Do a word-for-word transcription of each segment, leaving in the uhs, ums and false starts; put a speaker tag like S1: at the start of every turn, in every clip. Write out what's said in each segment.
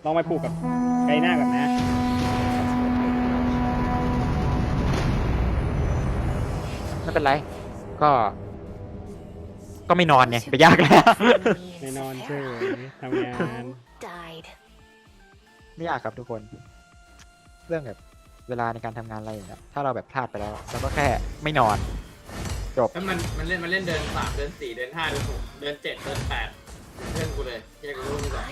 S1: ลองไปผูกกับไกหน้าก่อนนะ
S2: ไม่เป็นไรก็ก็ไม่นอนไงไปยากแล้ว
S1: ไม่นอนเฉยทำงาน
S2: ไม่ยากครับทุกคน เรื่องแบบเวลาในการทำงานอะไรอย่างเงี้ยถ้าเราแบบพลาดไปแล้วเราก็แค่ไม่นอนจบ
S3: แล้วมันมันเล่นมันเล่นเดินสามเดินสี่เดินห้าเดินหกเดินเจ็ดเดินแปดเพื่อนกูเลยแยกกูรู้ไม่ได้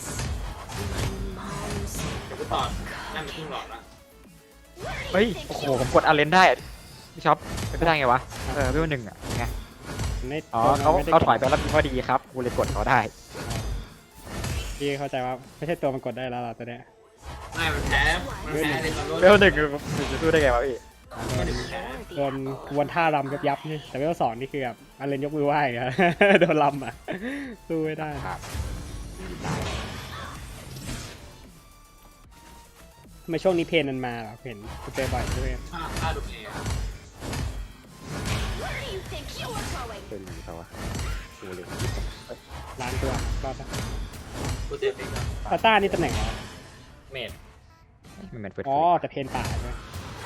S3: เดี๋ยวกูตอดนั่นเป็นครึ่งหลอดละ
S2: เฮ้ยโอ้โหผมกดอาเลนได้พี่ช็อปเป็นไปได้ไงวะเออพี่วันหนึ่งอ่ะไง
S1: ไม่
S2: อ๋อเขา
S1: ไม่ได้
S2: เขาถอยไปแล้วมีพอดีครับกูเลยกดเขาได้
S1: พี่เข้าใจว่าไม่ใช่ตัวมันกดได้แล้วล่ะตัวเนี้ย
S3: ไม่มันแพ้มันแพ้ในตอน
S2: เวลหนึ่งจะสู้ได้ไงวะพี่
S3: ไม่ได้แพ้
S1: โดนวนท่ารำยับยับนี่แต่เวลสองนี่คือแบบอันเลนยกมือไหว้อะ โดนลำอ่ะสู้ไม่ได้
S2: ครับ
S1: ทำไมช่วงนี้เพนมันมาเหรอเห็นกูเจอบ่อยด้วย
S3: ห้าห้าดูเอง
S2: เป็นหรือเปล่าวะกูเลย
S1: ล้านตัวรอดปะ
S3: กูเจ็บอีกแล้ว
S1: ตาต้านี่ตำแหน่งอะไร
S3: เมด
S2: มันเหมือนเฟิร์ส
S1: อ๋อแต่เพนป่าใช่ไหม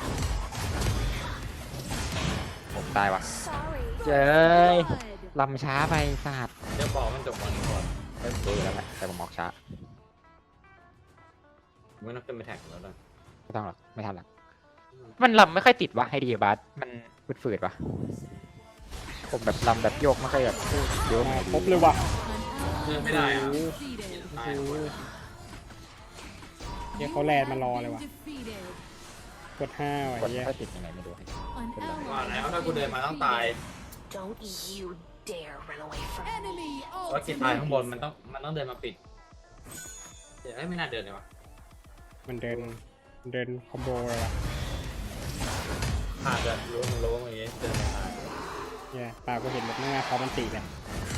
S2: ผมตายวะเจ้ยลำช้าไปสาด
S3: เดี๋ยวบอกมันจบก่อนก่อน
S2: เอ้ยรู้อยู่แล้วแหละแต่ผมออกช้า
S3: มึงต้องขึ้นไปแท็กแล้วด้วย
S2: ไม่ต้องหรอกไม่ทันหรอกมันลำไม่ค่อยติดวะให้ดีบัสมันฝืดๆวะผมแบบลำแบบโยกไม่ค่อยแบบเยอะ
S1: มา
S2: ไม่
S1: ครบเลยว่ะ
S3: เดินไม่ได้อะ
S1: โอ้โห
S3: ตาย
S1: โอ้โหเดี๋ยวเขาแลนมารอเลยว่ะกดห้าว่ะ
S2: กด
S1: เหี้
S2: ไม่
S1: ย
S2: ค่อยติดยังไงไม่รู้
S3: ว่าแล้วถ้ากูเดินมาต้องตาย
S4: Don't you dare run away from me.
S3: เพราะกินตายข้างบนมันต้องมันต้องเดินมาปิดเดี๋ยวไม่น่าเดินเลยวะ
S1: มันเดินมันเดินคอมโบเลยว่ะ
S3: ขาดจะรู้มึงรู้มึงอย่างงี้เดินไม่ได้
S1: เนี่ยปากกูเห็นแบบหน้าเขามันตีเลย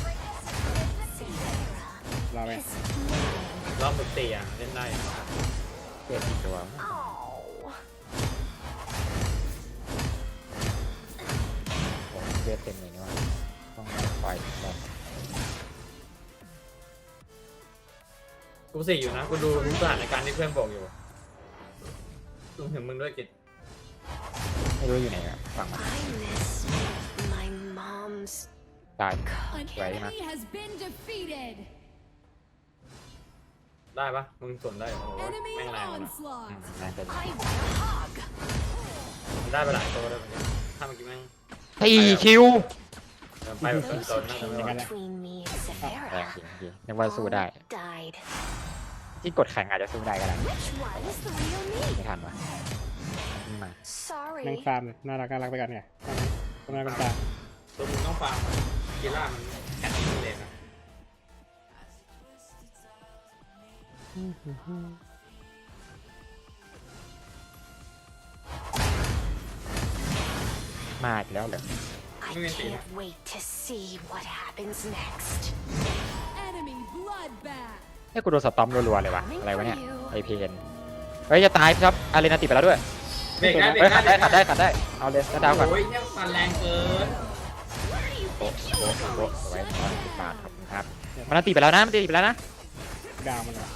S1: เราไง
S3: รอบมึงตีอ่ะเล่นได้
S2: เปลี่ยนอีกตัว
S4: Oh.
S2: ผมเลือดเต็มเลยนี่ว่าต้องปล่อยลง
S3: กูสี่อยู่นะกูดูรู้สถานการณ์ที่เพื่อนบอกอยู่รวมถึงมึงด้วยกิจ
S2: ไม่รู้อยู่ไหนอะฝั่งมัน
S4: I miss my mom's
S2: ตาย
S5: An
S2: Right,
S5: enemy has been defeated.
S3: ได้ปะมึงสวนได้โอ้โห
S5: Enemy
S3: แม่งแรงเลย
S5: onslaught.
S2: น่าจะ
S4: I want a hug.
S3: ได้ไปหลายตัวเลยเหมือนกันถ้าเมื่อกี้แม่ง
S2: ตีคิว
S3: เดินไปแบบเป็นตนน่าจะไม่ไหว
S4: Between me and
S2: แรง
S4: Severa
S2: จริงจริงนึกว่าสู้ได้
S4: died.
S2: ที่กดแข่งอาจจะสู้ได้ก็ได้
S4: Which one is the real me?
S2: ไม่ทันวะขึ้นมา
S4: Sorry.
S1: นั่งฟาร์มเลยน่ารักน่ารักไปกันไงคนน่าคนตา
S3: ตัวมึงต้องฟังกีฬามันแข่งที่เลยนะ
S2: มาอีกแล้วเหรอ
S4: I can't wait to see what happens next.
S5: Enemy bloodbath.
S2: ให้กูโดนสตอมรัวๆเลยวะอะไรวะเนี่ยไอเพนเฮ้ยจะตายครับอารีนาติดไปแล้วด้วย
S3: เบรกได้เบร
S2: เฮ้ย
S3: ก
S2: ขัด
S3: ได้
S2: ได้ขัดได้ขัดได้เอาเลยจะดาวก่อน
S3: โอ้ยเนี่ยฟันแรงเกิน
S2: โอ้โหโอ้ไว้ร้อยสิบบาทขอบคุณครับมันตีไปแล้วนะมันตีไปแล้วนะ
S1: ดาวมันเหรอ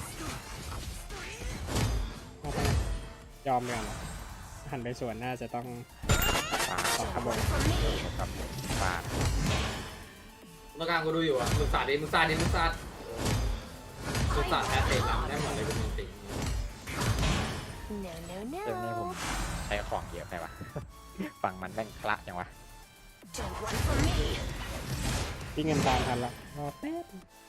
S1: เอาไปนะยอมเลยเหรอหันไปสวนน่าจะต้อง
S2: บาท
S1: สองขบวน
S2: ครับบาท
S3: เมื่อกลางกูดูอยู่อ่ะมึงสาดดิมึงสาดดิมึงสาดมึงสาดแพ้เตะหลังได้หมดเลยกูมึงตี
S4: No, no,
S2: เรื่องนี้ผม
S4: no.
S2: ใช้ของเยอะไปวะฝั่งมันแม่งคละจังวะ
S4: Don't run from me.
S1: ที่เงินตามทันละรอแป๊บ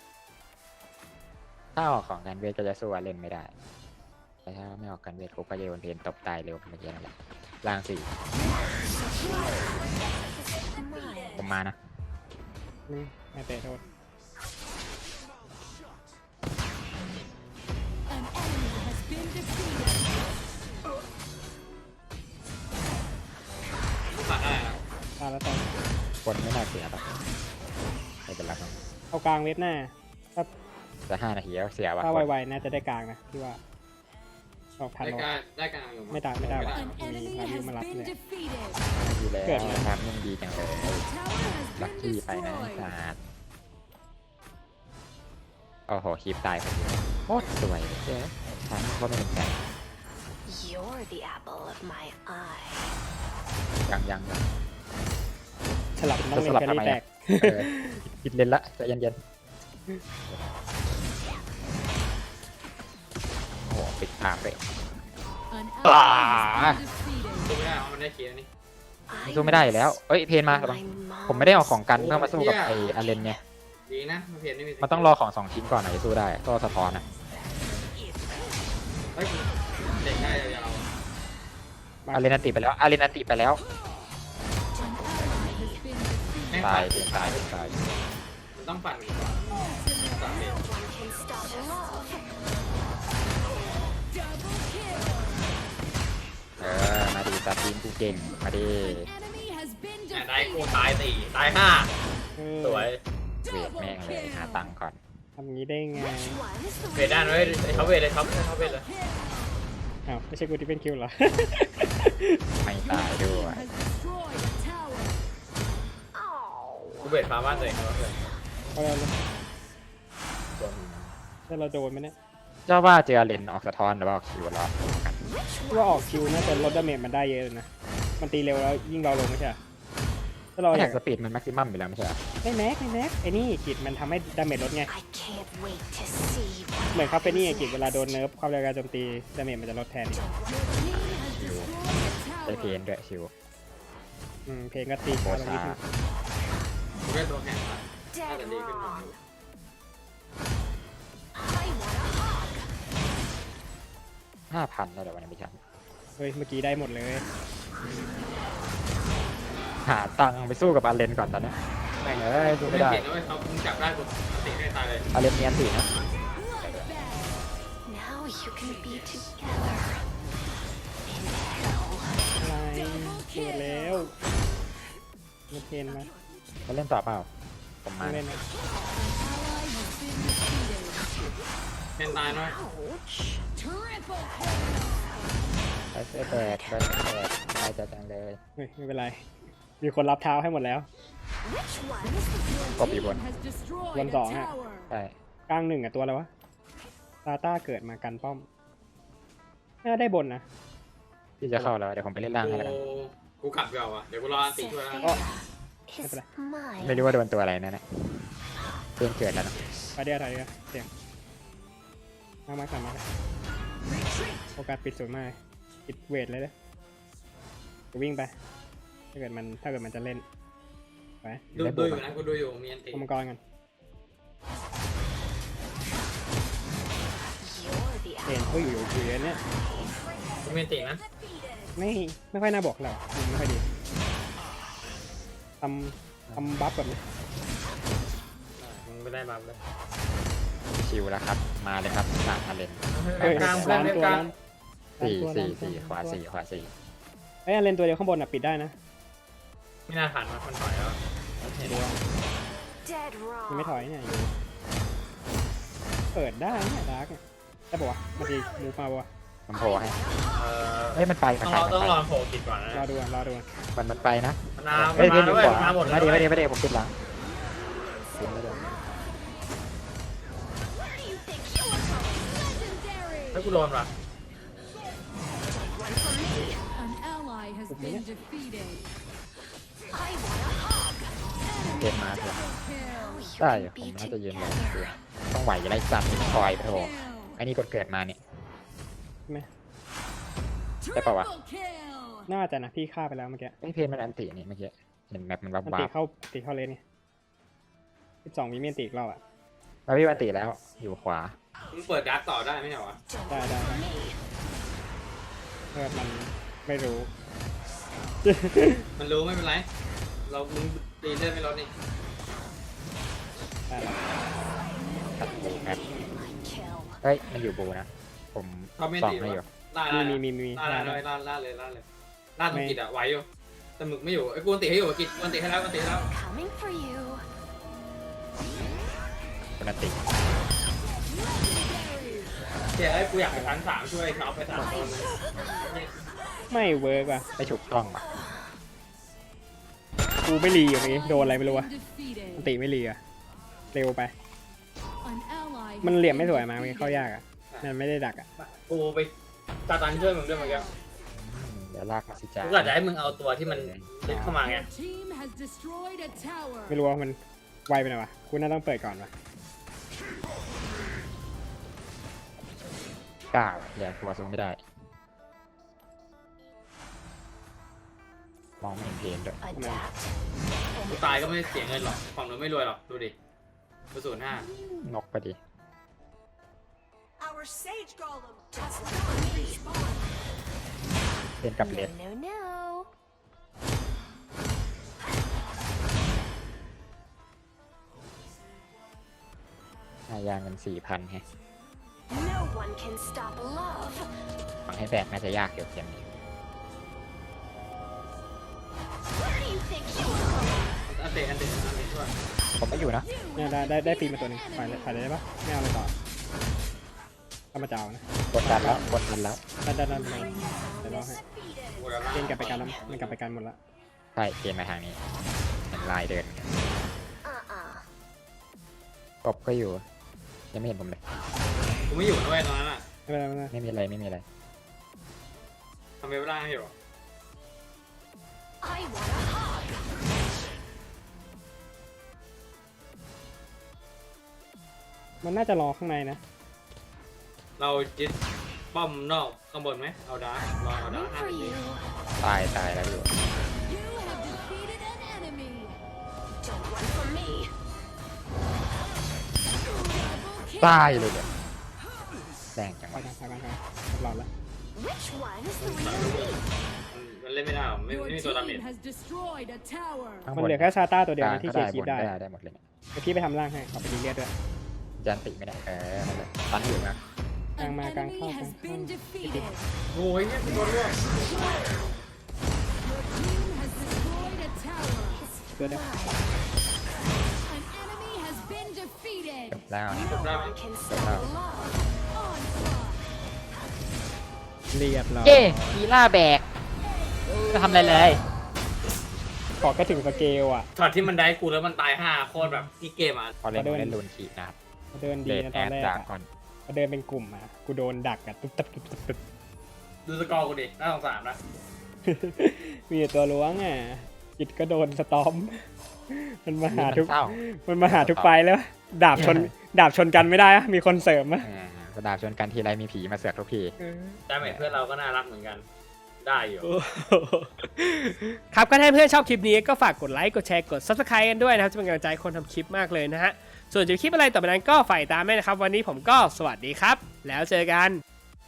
S2: ถ้าออกของกันเวทก็จะสู้อาเลนไม่ได้แต่ถ้าไม่ออกกันเวทกูก็จะโดนเพนตบตายเร็วเมื่อกี้นั่นแหละล่างสี่ผมมานะ
S1: นี่แม่เตะโทษ
S5: An enemy has been defeated.
S3: มึงสาดได้อะ
S1: ตาแล้วตอน
S2: คนไม่น่าเสียหรอกไม่เป็นไรครับ
S1: เอากลางเว็บหน้าถ้า
S2: จะห้านาทีแล้วเสียว่ะ
S1: ถ้าไวๆน่าจะได้กลางนะที่ว่าออกทัน
S3: ได้
S1: หรอ
S3: การได้การอยู่
S1: ไม่ได้ไม่ได้ว่ะ
S5: An enemy
S1: Maybe
S5: has
S1: malap
S5: been
S1: na.
S5: defeated.
S2: ดีแล้ว
S1: เกิดอะไร
S2: ทำยังดีจังเลย
S5: Tower has
S2: ลัค
S5: been
S2: กี้ไปนะ
S5: destroyed.
S2: ศาสตร์โอ้โหคลิปตายพอดี
S1: โค
S2: ตรสวยเจ๊ฉันก็ไม่เป็นใจ
S4: You're the apple of my eye.
S2: ยังยังยัง
S1: สลับต้อง
S2: จะ
S1: เล่
S2: ส
S1: น
S2: ลับ
S1: แค
S2: ทำไม
S1: รี่แต
S2: อะ
S1: ก
S2: เออผิดเลนละใจเย็นๆโอ้โหปิดทางเลย
S5: An
S2: Ah.
S5: ally has been defeated.
S3: ดูไม่ได้เอามันได้เคลียร์นี่
S2: มันสู้ไม่ได้อยู่แล้วเอ้ยเพนมา
S4: My
S2: ผมไม่ได้เอาของกัน
S3: โอ้
S2: เพื่อมาสู้กับ
S3: เหี้ย
S2: ไออาเลนไง
S3: ดีนะมันเพียนไม่มี
S2: มันต้องรอของสองชิ้นก่อนไหนจะสู้ได้ก็สะท้อนอ่ะ
S3: เฮ้ยเด็กได้ยาว
S2: อาเลนอันติไปแล้วอาเลนอันติไปแล้ว
S5: An ally has been defeated.
S3: ๆแม่ง
S2: ตา
S3: ปั่
S2: ย
S3: น
S2: เพนตายเพนตาย
S3: มันต้องปั่นก่อนสามเด็ก
S4: one can stop love.
S5: Double kill.
S2: เออมาดีตัดทีมกูเก่งมาดี
S5: Enemy has been
S3: แหม่ได้กู
S5: defeated.
S3: ตายสี่ตายห้า
S1: เออ
S3: สวย
S2: เวทแม่งเลยหาตังค์ก่อน
S1: ทำงี้ได้ไง
S4: Which one is the
S3: เวทได้ไหมไอ้เขาเวทเลยท็อปเขาเวทเลย
S1: อ้าวไม่ใช่กูที่เป็นคิวเหรอ
S2: ไม่ตายด้วย
S5: Has destroyed a tower.
S4: Oh.
S3: กูเวทฟาร์มบ้านตัวเองครับเพื่อน
S1: เอาเราถ้าเราโดนไหมเนี่ย
S2: เจ้าว่าเจออาเลนออกสะท้อนหรือว่าออกคิวรอ
S1: ว่าออกคิวน่าจะลดดาเมจมันได้เยอะเลยนะ มันตีเร็วแล้วยิ่งเราลงไม่ใช่เหรอถ้าเราอ
S2: แท็
S1: ยาก
S2: กสปีดมันแม็กซิมัมอยู่แล้วไม่ใช่เหรอ
S1: ไม่แม็กไม่แม็กไอ้นี่กิจมันทำให้ดาเมจลดไง
S4: I can't wait to see what
S1: เหมือนคาเฟนี่ไงกิจเวลาโดนเนิร์ฟความเร็วการโจมตีดาเมจมันจะลดแทนอีก
S5: Your team has
S2: ใช้
S5: destroyed a
S2: เพ
S5: tower.
S2: นด้วยชิว
S1: อืมเพลงก็ตี
S2: โบ
S1: ช้าลงนิ
S2: ชา
S1: ดนึง
S3: กูแค่ตัวแข็งอะ
S4: dead
S3: Ada di-
S4: wrong. I want a hug.
S2: ห้าพันแล้วเดี๋ยววันนี้ไม่ใช่
S1: เฮ้ยเมื่อกี้ได้หมดเลย
S2: หาตังค์ไปสู้กับอาเลนก่อนตอนนี้แม่งเอ้ยสู้
S3: ไม่
S2: ไม่ได้
S3: เก่งนะเว้ยเขามึงจับได้กูติให้ตายเลย
S2: อาเลนเนียนตีนะ
S5: Bloodbath.
S4: Now you can be together in hell.
S1: อะไรเปิดแล้วมาเพนมา
S2: เขาเล่นต่อเปล่าผมมา
S1: ไม่เล่นนะ
S5: An ally has been defeated.
S3: แมนตายน้อย
S4: Ouch.
S5: Triple kill.
S2: ไปเสื้อแตกไปเสื้อแตกตายจังเลย
S1: เฮ้ยไม่เป็นไร มีคนรับเท้าให้หมดแล้ว
S4: Which one is the
S2: กบอีกบน
S5: Has destroyed
S1: One
S5: a
S1: song, huh?
S5: tower.
S2: ใช่
S1: กลางหนึ่งอะตัวอะไรวะซาต้าเกิดมากันป้อมน่าได้บนนะ
S2: ที่จะเข้าแล้วเดี๋ยวผมไปเล่นล่างให้แล้วกัน
S3: กูกูกลับเก่าอ่ะเดี๋ยวกูรออันติช่วยแล้ว
S1: Oh.
S4: is mine?
S2: ไม่รู้ว่าโดนตัวอะไรนั่นแหละเพื่อนเกิดแล้วนะ
S1: ไปเดียวถอยเดียวเสียงมามาขันมาเลยโอกาสปิดสูงมากปิดเวทเลยเลยจะวิ่งไป ถ้าเกิดมันถ้าเกิดมันจะเล่นไป
S3: ดูดูอยู่นะกูดูอยู่มีอันติ
S1: เอามังกรกัน
S4: You're the
S1: เห็น
S4: apple.
S1: เขาอยู่อยู่อยู่เนี่ย
S3: กูมีอันตินะ
S1: ไม่ไม่ค่อยน่าบอกเรามุมไม่ค่อยดีทำทำบัฟแบบนี้
S3: มึงไม่ได้บัฟเลย
S2: ชิวแล้วครับมาเลยครับสามอาเลน
S1: เฮ้ย
S3: กลางเพื่อ
S1: ล้าน น
S3: เล่น
S1: ตัว
S3: กลาง
S1: ล้าน
S2: สี่
S1: ล้าน
S2: สี่
S1: ตัว
S2: สี่
S1: ล้น
S2: ขวา
S1: ตัว
S2: สี่ขวาสี่
S1: เอ้ยเลนตัวเดียวข้างบนอ่ะปิดได้นะ
S3: ไม่น่าทันมาคนถอยแล้ว
S1: เดียว
S4: Dead
S1: ยังไม่
S4: wrong.
S1: ถอยเนี่ยอยู่เปิดได้เนี่ยดาร์กเนี่ยได้ปะวะมันจะมูฟมาปะวะ
S2: มันโผล่ให้
S3: เออ
S2: เฮ้ยมันไปมัน
S3: ต้อง
S2: ไป
S3: รอ
S2: มัน
S3: ต้อง
S2: ไป
S3: รอโผล่กิดก่อนนะ
S1: รอดูอ่ะรอดูอ่ะ
S2: มันมันไปนะ
S3: มันมา
S2: เฮ้ย
S3: มัน
S2: เพื่อน
S3: มา
S2: อยู่
S3: แล้ว
S2: ขวา
S3: มาหมด
S2: ไม่
S3: แล้ว
S2: ดีไม่ดีไม่ดีผมปิดหลังปิดไม่ได้
S5: Legendary.
S3: ถ้ากูโดนว่ะ
S5: An ally has been defeated.
S4: I want a hug.
S2: เกมมาเถอะ
S5: Kill.
S2: ได้อยู่ผมน่าจะยืนเลยต้องไหวไรสัตว์มีคอยไปโถ
S5: Kill.
S2: ไอ้นี่กดเกิดมาเนี่ย
S1: ใช่ไหม
S2: ได้ปะวะ
S5: Triple kill.
S1: น่าจะนะพี่ฆ่าไปแล้วเมื่อกี้
S2: ไอ้เพนมันอันตินี่เมื่อกี้เห็นแมปมันวับ
S1: มัน
S2: วั
S1: ตี
S2: บ
S1: เข้าตีเข้าเลนไงสิบสองวิเมียนตีอีกรอบอ่ะ
S2: มาพี่วันติแล้วอยู่ขวา
S3: มึงเปิดดาร์กต่อได้ไหมเนี่ยวะ
S4: Don't
S1: Da,
S4: wait
S1: da,
S4: for
S1: da.
S4: me.
S1: เออมันไม่รู้
S3: มันรู้ไม่เป็นไร เรามึงตีเลือดไม่ลดนี่
S1: ได้แล้ว
S2: ตัดบูแมป
S4: My kill.
S2: เฮ้ยมันอยู่บูนะ ผม
S3: เขาไม่
S2: ส่อง
S3: ตี
S2: ให้อยู่
S3: ล่าล่า
S1: มีมีมีมี
S3: ล่า
S1: ได้
S3: ล่า
S1: ได้
S3: ล่าล่าเลยล่าเลยล่าตรงกิดอะไหวอยู่แต่หมึกไม่อยู่ไอ้กูอันติให้อยู่กิดกูอันติให้แล้วกูอันติให้แล้ว
S4: Coming for you.
S2: เป็นอันติ
S3: เดี๋ยวไอ้กูอยากไปชั้นสามช่วยเขาไปสามคน
S1: ไม่เวิร์กว่ะ
S2: ไม่ถูกต้องว่ะ
S1: กูไม่รีอย่างงี้โดนอะไรไม่รู้วะ
S5: Defeated.
S1: อันติไม่รีอ่ะเร็วไป
S5: An ally
S1: มัน
S5: has
S1: เหลี่ยมไม่
S5: been
S1: สวยมามันเข้ายาก
S5: defeated.
S1: อ่ะมันไม่ได้ดักอ่ะ
S3: กูไปตาตันช่วยมึงด้วยเมื่อกี้
S2: อืมเดี๋ยวลากมาสิจ้า
S3: กูกะจะให้มึงเอาตัวที่มันลึกเข้ามาไง
S5: Your team has destroyed a tower.
S1: ไม่รู้ว่ามันไวไปหน่อยวะคุณน่าต้องเปิดก่อนวะ
S2: กล้าเดี๋ยวตัวซูมไม่ได้ มองไม่เห็นเพลงด้วย
S4: Adapt.
S3: กูตายก็ไม่เสียเงินหรอกฝั่งนู้นไม่รวยหรอกดูดิกูศูนย์ห้าน
S2: กไปดิ
S6: Our sage golem
S4: Just
S6: does not respawn.
S2: เล่นกับเล
S4: No,
S2: น
S4: no, no.
S2: หายางเงินสี่พันไง
S4: No one can stop love.
S2: ฟังให้แบกน่าจะยากเกี่ยวกับนี้
S4: Where do you think you are going?
S3: อันเตะอันเตะอันเตะช่วย
S2: ผมไม่อยู่นะ
S1: เนี่ยได้ได้ได้ฟรีมาตัวหนึงปล่อยเลยปล่อยเลยได้ปะไม่เอาเลยต่อเข้ามาเจ้านะ
S2: กดดันแล้วกดดันแล้ว
S1: ได้ได้ได้ได้เดี๋ยวรอให้
S3: กูจะ
S1: เกณฑ์กลับไปกันแล้วมันกลับไปกันหมดละ
S2: ใช่เกมมาทางนี้เห็นลายเดิน
S4: Uh-uh.
S2: กบก็อยู่ ยังไม่เห็นผมเลย
S3: กูไม่อยู่นะเว้ยตอนนั้นอ่ะ
S1: ไม่เป็นไรไม่เป็นไร
S2: ไม่มีอะไรไม่มีอะไร
S3: ทำไมไม่ได้ให้อยู่
S4: I want a hug.
S1: มันน่าจะรอข้างในนะ
S3: เรายึดป้อมนอกข้างบนไหมเอาดาร์กรอเอาดาร์
S4: Coming
S3: กห้า
S4: for
S3: นาที
S4: you.
S2: ตายตายแล้วอยู่
S5: You have defeated an enemy.
S4: Don't run from me.
S5: Double kill.
S2: ตายเลยเนี่ยแรงจัง
S1: ไป
S2: วะ
S1: กันไปกันไปกันหลอดละ
S4: Which one is the real me?
S3: มันมันเล่นไม่ได้หรอกไม่
S5: Your
S3: ไม่มีตัวดาเมจ
S5: team has destroyed a tower.
S2: ข้างบ
S1: มันเหลือแค่ซาต้าตัวเดียว
S2: กลาง
S1: นะที่
S2: ก็
S1: เคลี
S2: ได้
S1: ยร์คลิปได้
S2: บนก็ได้ได้หมดเลยเนี่ย
S1: เดี๋ยวพี่ไปทำร่างให้ขอไปดีเลียดด้วย
S2: ยันติไม่ได้เออนั่นแหละตันอยู่นะ
S5: An
S1: Càng mà càng
S5: enemy
S1: không,
S5: has
S1: càng
S5: been
S1: không.
S5: defeated.
S3: โอ้ยเนี่ยกูโดนร่วง
S5: Your team has destroyed a tower.
S1: เพื่อได้
S5: An enemy has been defeated.
S2: จบแล้วนี่
S4: No one can stop love.
S5: Onslaught.
S1: เรียบร้อย
S2: เย้มีล่าแบกจะทำอะไรเลย
S1: ขอแค่ถึงสเกลอ่ะ
S3: ช็อตที่มันได้กูแล้วมันตายห้าโคตรแบบที่เกมอ่ะ
S2: พอเล่น
S1: ขอเดิน
S2: เล่นลูนขีนะครับ
S1: เดินดี
S2: เดท
S1: นะ
S2: แอ
S1: ตอน
S2: ด
S1: แรก
S2: จาก
S1: อะ
S2: ก่อน
S1: พอเดินเป็นกลุ่มอ่ะกูโดนดักอ่ะตุ๊บตับตุ๊บตับตุ๊บตับ
S3: ดูสกอร์กูดิน่าสงสารนะ
S1: มีแต่ตัวล้วงอ่ะจิตก็โดนสตอม มันมาหาทุก
S2: เศร้า
S1: มันมาหาทุกไฟแล้ว ดาบชน ดาบชนกันไม่ได้อะมีคนเสริมอะ
S2: อ่ากระดาษชนกันทีไรมีผีมาเสือกทุกที
S3: ดาเมจเพื่อนเราก็น่ารักเหมือนกัน ได้อยู่
S1: ครับก็ถ้าเพื่อนชอบคลิปนี้ก็ฝากกดไลค์ กดแชร์ กด Subscribe กันด้วยนะครับ จะเป็นกำลังใจให้คนทำคลิปมากเลยนะฮะ ส่วนจะคลิปอะไรต่อไปนั้นก็ฝ่ายตามด้วยนะครับ วันนี้ผมก็สวัสดีครับ แล้วเจอกัน